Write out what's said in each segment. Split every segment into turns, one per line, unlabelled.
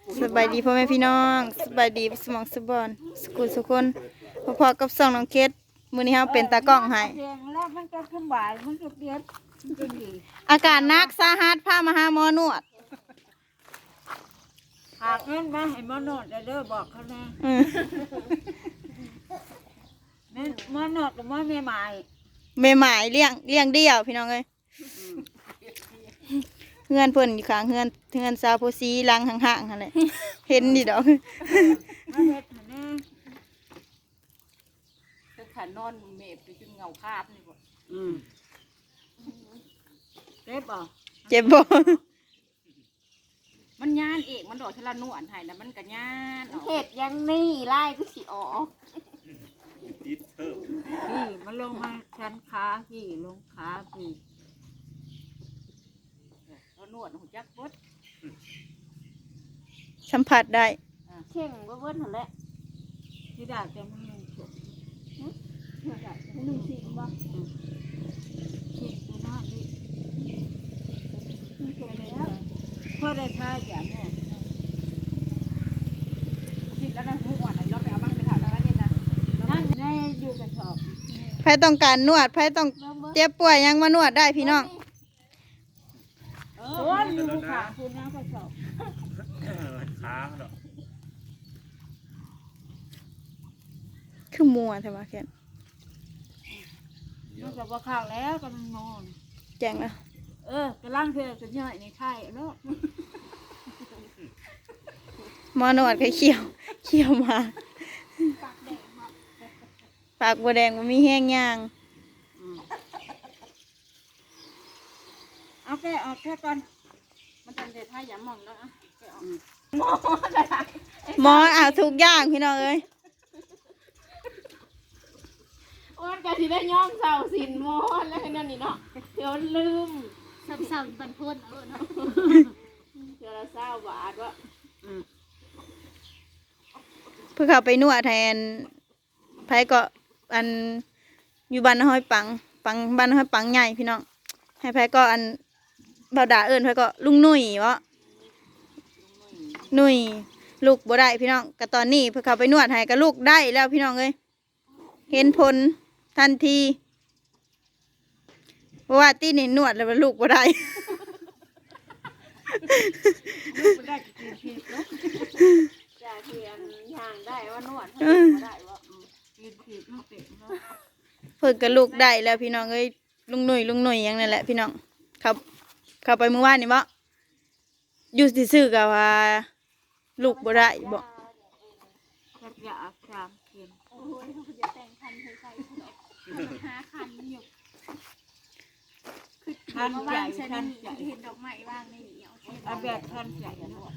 สบายดีพ่อแม่พี่น้องสบายดีสมองสบอนสกุลสุคนพอๆกับส่องน้องเคสมื้อนี้เฮาเป็นตากล้องให้
แล้วมันก็ขึ้นบ่ายมันก็เปลี่ยนมันก็ดี
อาการหนักสาหัสพามาหาหมอนวด
หากเงินมาให้หมอนวดเด้อบอกเขาแน่
อืม
แม่หมอนวดกับหมอแม่ใหม่
แม่หมายเลี้ยงเดี่ยวพี่น้องเอ้ยเฮือนเพิ่นอยู่ข้างเฮือนสาวโพสีหลังห่างๆหั่นแหละเห็นดิดอก
มาเฮ็ดให้แน่
ถ้าขานอนเมฟไปจนเงาคาบนี่บ่
เจ็บบ่
เจ็บบ่
มันย่านเอกมันดอกทะละนวลให้แล้วมันก็ย่านออก
เห็ดยังนี่ไล่ก็สิออก
พี่มันลงมาชั้นขาพี่ลงขาพี่
แล้วนวดหูจักบด
สัมผัสได้
เข่งก็เบิ้ลหันแหละ
ที่ดาแต่มันลงฉก
หนึ่งสิบบ่
คิดตัวน้าดิพอได้ท่าอย่างนี้
คิดแล้วนะหูอ่อนเราไปเอาบ้างไปถามแล้วนี่นะ
นั่นแน่อยู่กระสอบ
ไผต้องการนวดไผต้องเจ็บป่วยยังมานวดได้พี่น้อง
โอ้ยอยู่ขาคุณนะกระสอบ
ค้างดอก
คือมัวแต่ว่าแค่น
มันก็บ่ข้าวแล้วกำลังนอน
แจ้งแล้ว
กำลังเธอจะย่อยในไข่เนาะ
หมอนวดก็เขียวมาปากบัวแดงมันมีแห้งย่าง
เอาแค่ออกแค่ก่อน
มันจังเดท่าอย่ามองแล้วอ่ะแกออก
หมอเอาทุกอย่างพี่น้องเอ้ย
อ้วนก็สิได้ย่อมเสาสินมอนแล้วนั่นนี่เนาะเดี๋ยวลืม
สาวๆบันพ้นเนาะ
เดี๋ยวละ20 บาทวะ
เพื่อเขาไปนวดแทนไผก็อันอยู่บ้านห้อยปังบ้านห้อยปังใหญ่พี่น้องให้ไผก็อันเบาด่าเอิ้นไผก็ลุงหนุ่ยวะหนุ่ยลูกบ่ได้พี่น้องก็ตอนนี้เพื่อเขาไปนวดให้ก็ลูกได้แล้วพี่น้องเอ้ยเห็นผลทันทีเพราะว่าตีนี่นวดแล้วลูกบ่ได้
ลูกไม่ได้กินผิดเนาะ
จากเทียนย่างได้ว่านวดให้บ่ได้วะ
กินผิดมันเต็มเนาะ
เพิ่นก็ลูกได้แล้วพี่น้องเอ้ยลุงหนุ่ยอย่างนั้นแหละพี่น้องเข้าไปเมื่อวานนี่บ่อยู่ซื่อๆก็ว่าลูกบ่ได้บ่
ก็อยากจามเค็ม
โอ้ยเขาจะแต่งคันใส่ๆเนาะหาคันอยู่
ทันใจ
ใส่
ทัน
นี่
ใจ
เห็นดอกไม้ว่างในนี่เอาเห็น
เอาแบบทันใจเนาะ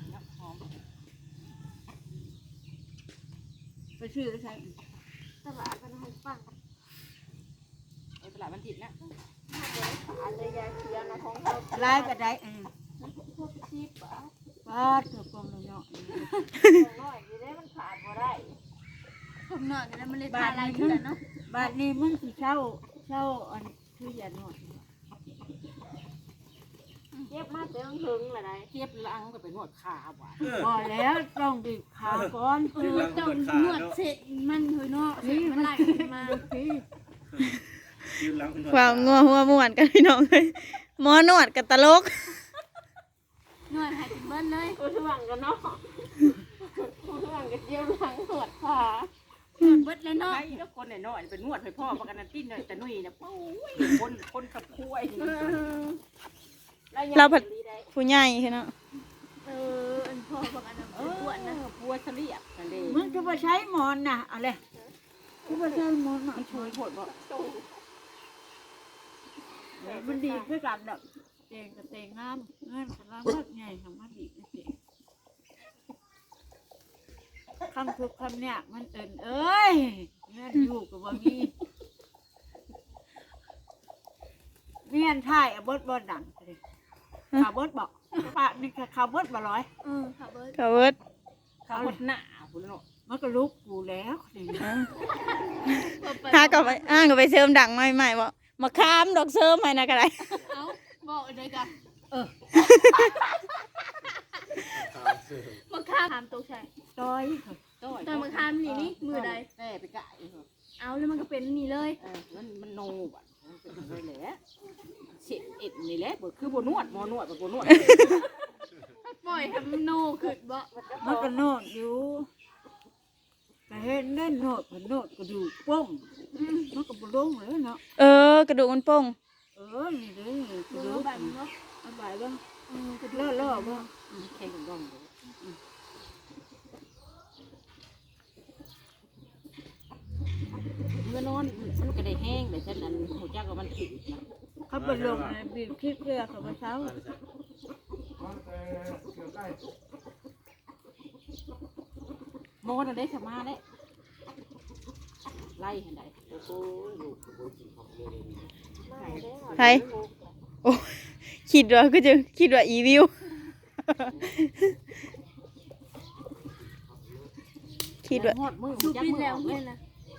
ไปซื้อใช้
ตลาดมันให้ฟัง
ไอ้ตลาดมันติดนะ
อันเลยยาเคียนะของเขา
ไล่ก็ได้
พวก10 บาท
ป้าตัวกองเลยเนาะ
น้อยอยู่ได้มันขาดบ่ได้
ผมนอนอยู่แล้วมันเลยพาลายเถื่อนเนาะ
บาทนี้มึงสิเช่าอันคืออย่าหน่อย
เจ็บมาเต็มถึงละได้
เทียบลังก็ไปนวดขาว่ะ
พอแล้วต้องบีบขาก่อน
เจ้านวดเสร็จมันเถอะเนาะเสร็จมันไหลมา
พี่
ยืนหลังคุณ
ความงัวหัวม่วนกันพี่น้องเอ้ยหมอนวดกับตลก
นวดให้เป็นเบิ้ลเลย
กูห่วงกันเนาะกูห่วงกันเยี่ยมหลังปวดขา
เบิ้ลเลยเนาะ
ไอ้แล้วคนน้อยๆเป็นนวดให้พ่อประกันนั่นติ้นเลยแต่นุ่ยเนี่ยโอ้ยคนขับคุ้ย
เราผัดผู้ใหญ่คือเนาะ
อันพ่อบอกอันนั้น
เอ
เป็นปวดนะ
อพัวเสลียบนั่นเอง
มึงจะมาใช้หมอนนะอะไรจะมาใช้หมอนมา
มันช่วยโผดบ่
มันดีเพื่อกันแบบเตงกับเตงงามเงินสารพัดไงทำมาดีนะเตงคำทุกคำเนี่ยมันเอินเอ้ยเงินอยู่กับว่ามีเมียนไทยบดดังเลยข่าวบดบอกปะนี่ข่าวบดบ่ร้อย
ค่ะเบิ้ล
กะเวิร์ด
ขาหดหน้าพุ่นเนาะ
มันก็ลุกกูแล้วนี่
หากับไปกับไปเสริมดังใหม่ๆบ่มาค้ามดอกเสริมให้นะก็ได้
เอาบอกเลยกันมะขามถามตกใช่
ต้อย
ต้อย
ตอนมะขามนี่นี่มือใด
แม่ไปกะอีกเหรอ
เอาแล้วมันก็เป็นนี่เลย
มันโนบัดมันเป็นอะไรแหละเสียเอ็ดนี่แหละบ่คือบนวดหมอนวดบ่นวด
ปล่อยให้มันโนขึ้นบ่
มันก็โนดอยู่ก็เห็นได้โนดก็โนดก็ดูกป้งมันก็บ่ลงเลยเนาะ
กระดูกมันโป่ง
นี่เด้อกระ
ดู
ดูก
แบบนี้เนาะ
เอาไปบ้าง
กระดู
ล่อๆบ้าง
แข่งกันย่อมเลยเมื่อนอนมันก็ได้แห้งแต่ฉันอันหัวจักว่ามันถึงนะ
เขาไปลงในบีบคิดเกลือเขาไปเช้า
โมนได้สมาได้ไล่เห็นได้
ไผโอ้คิดว่าก็จะคิดว่าอีวิว คิดว่า
หอดมือ
สู
จัก
ปิน
มือ
แล้ว
ออกเล
เพื่
ย
อนนะ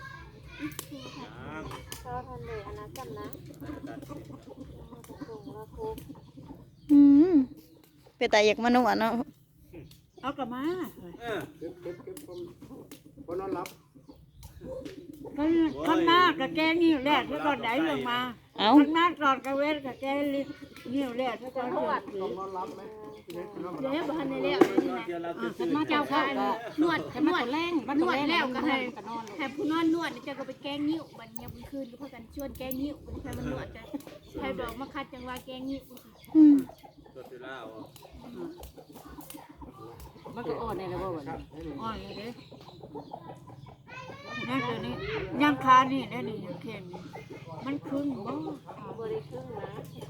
อืมเป็นแต่อยากมานวดเนาะ
เอากลับมา
เก็บคนนอนรับ
คนมากกับแกนิ้วแรกแล้วก็ได้ลงมา
เอ้า
คนมากก่อนกับเวทกับแกนิ้วแรกแล้วก็เดือด
นอนรับไหม
เดี๋ยวบ้านในแล้วนี่นะ
เดี๋ยวเรา
ฉันมาเจ้าข้าวก็
นวด
ฉันมาแรงบ้าน
นวดแล้วก็ให้
กันนอน
ให้ผู้นอนนวดนี่จะก็ไปแกล้งนิ้วบัดเนี่ยบุญคืนก็พากันชวนแกล้งนิ้วบัดใครมันนวดกันใครบอกมาคัดจังว่าแกล้งนิ้ว
อืม
ตัวที่ล่าอ่ะ
มันก็อ่อนในระบบนี้
อ่อนเลยเด้นั่นตัวนี้ยังคานี่ได้นี่ยังเข็มมันครึ่งบ่
บ่ได้ครึ่งนะ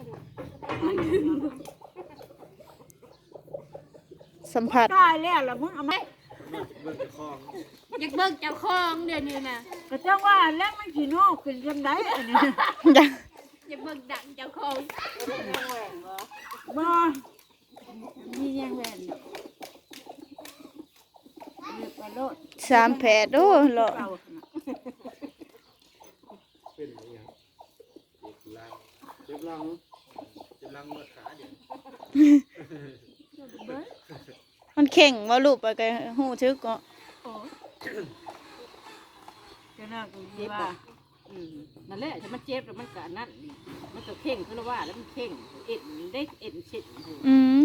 สัมผัส
ตายแล้วล่ะมึงเอาไหม
เบิ่งจะคล้อง
อยากเบิกเจ้าของเดี๋ยวนี้นะ
ก็จังว่าแล้วมันสิโนขึ้นจังไดอันนี้
อยาก
อยากเบิกดังเจ้าของ
บ่มียังแหวนเรียกว่าโลด
3 แผดโอ้เหรอ
เก่า
เป็นอย่างเงี้ยเจ็บหลังเจ็บหลังเมื่อขาเดี๋ยว
มันเข่งว่ารูปไปก็ฮู้ทึกก็
จะน่ากู
เจ็บ
ว่า
นั่นแหละฉันมันเจ็บแล้วมันก็นั่นมันก็เข่งคือว่าแล้วมันเข่งเอ็ดได้เอ็ดเช็ด
อืม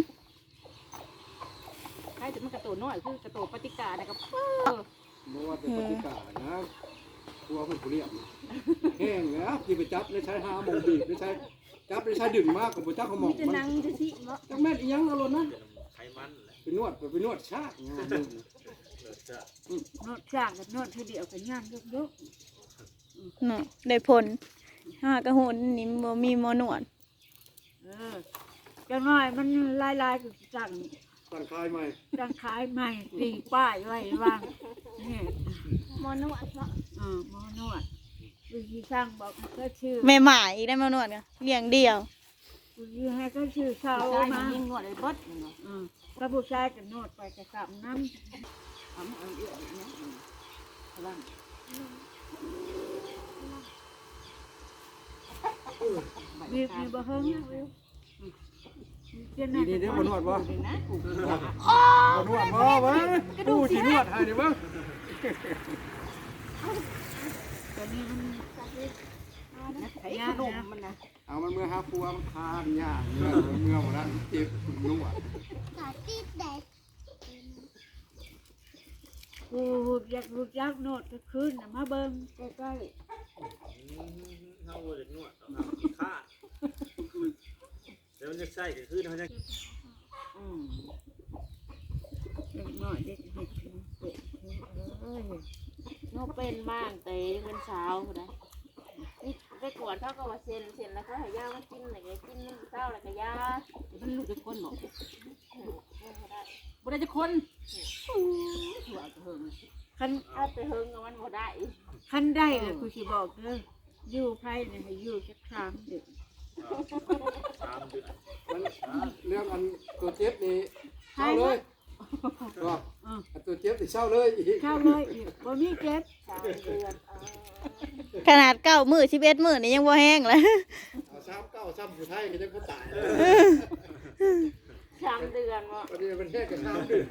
ใช่แต่มันกระโตน้อยคือกระโตปฏิกานะครับ
บ่ว่าแต่ปฏิกานะกลัวคนผู้เรียบนะแห้งแล้วที่ไปจับได้ใช้หาโมงบีบได้ใช้จับได้ใช้ดึงมากกับบ่จักเขามอง
มีแต่
มัน
นางจะสิเนาะ
จักแม่นอีหยังเอารถนะ
ไขมันแหละ
ไปนวดชาติงาน
เลิศจะ
โนดจากกับโนดเธอเดียวกันย่างยก
เนาะได้ผลหากระโหนนี่บ่มีหมอนวด
จังน้อยมันลายๆกับจัง
ตั้งคายใหม่
จังขายใหม่ตีป้ายไว้วางนี่
หมอนวดเนาะ
หมอนวดวิธีสร้างบอกให้ก็ชื่อ
แม่หมาอีกได้มานวดกันเลี้ยงเดียว
วิธีให้ก็ชื่อเสา
ใช่
มา
ยิงนวดเลยเบิด
พระผู้ชายกับโนดไปกับสามน้
เอาเอาเยอะอย่างเงี้ยพลัง
ำมีบ่เฮิงเจ้าหน้า
นี่เด้บ่นวดบ่
เลยนะกู
บ่นวดบ่วะกูสินวดให้เด้อเบิ่ง
ตัวนี้มัน
ไอ้ขนมมันนะ
เอามันเมื่อหาปัวมันคานยากเมื่อบ่นั้นเจ็บนวด
กูอยากรู้จักโนดก็คืนน่ะมาเบิ่งใกล้
เฮาจะนวดเอาขาเดี๋ยวมันจะใส่ก็คือเขาจะ
ๆเด็กน้อยเด็กเด็กเอ้ย
เนาะเป็นบ้างแต่เงินเช้าพุ่นนะนี่ไปกวดเขาก็ว่าเซ็นแล้วเขาให้ยามากินอะไรก็กินน้ำเช้าแล้วก็ยา
มันลูกจะคนบอกบ่ได้จะคนหัวเถิง
คัน
เอาไปเฮิงกับมันบ่ได้
คันได้เลยกูสิบอกเด้ออยู่ไผเนี่ยให้อยู่จักครั้งเด้อ
3 เดือน
มันเรื่องอันตัวเจ็บนี่เศร้าเลยก็อันตัวเจ็บนี่เศร้าเลยอีก
เข้าเลยอีกบ่มีเจ็บ
3 เดือน
ขนาด9 มื้อ11 มื้อนี่ยังบ่แห้งเลย
เอาซ้ำเก้าซ้ำผู้ไทยก็จะคนตาย
ส
3 เดือนบ่
วันนี้มันแห้งกัน3 เดือน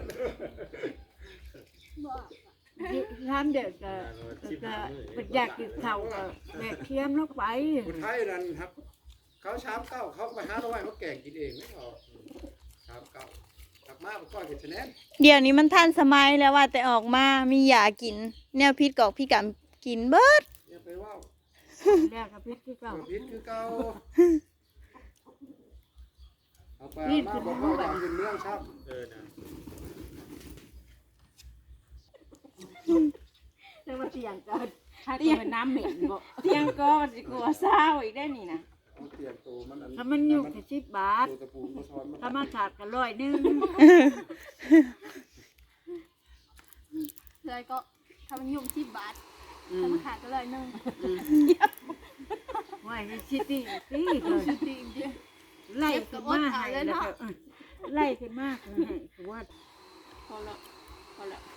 บอก
ทำเด็กก็อยากกินข้าวก็แบกเคียมลงไป
คนไทยนั่นครับ เขาชามเก้าเขาไปหาหน่อไม้เขาแกงกินเองไม่พอชามเก้ากลับมาก็กินชะแนน
เดี๋ยวนี้มันทันสมัยแล้วว่าแต่ออกมามียากิน แนวพิษกอกพี่กำกินเบิด
อย่าไปว่า
แรกกับพิษคือเก่า
พิษคือเก่าเอาไปมาบอกว่าทำเป็นเรื่องชับ
นะ
แต่ว่าเตียงก็ถ้าตัวเป็นน้ำเหม็นบ่เตียงก็สิกลัวเศร้าอีกได้นี่นะ
เอาเตรียมตัวมัน
ถ้ามันอยู่แค่10 บาท
ตัวตะปูมาช้อนมา
ถ้ามาขาดก็100นึง
เลยก็ทำมันยุ่ง10 บาททำมันขาดก็เลยนึง
ไว้ให้ชิตี้ตี้เลย
ชุดดีเดียว
ไล่ขึ้นมาให้แล้วก็ไล่ขึ้นมาให้ว่า
พอละพอละ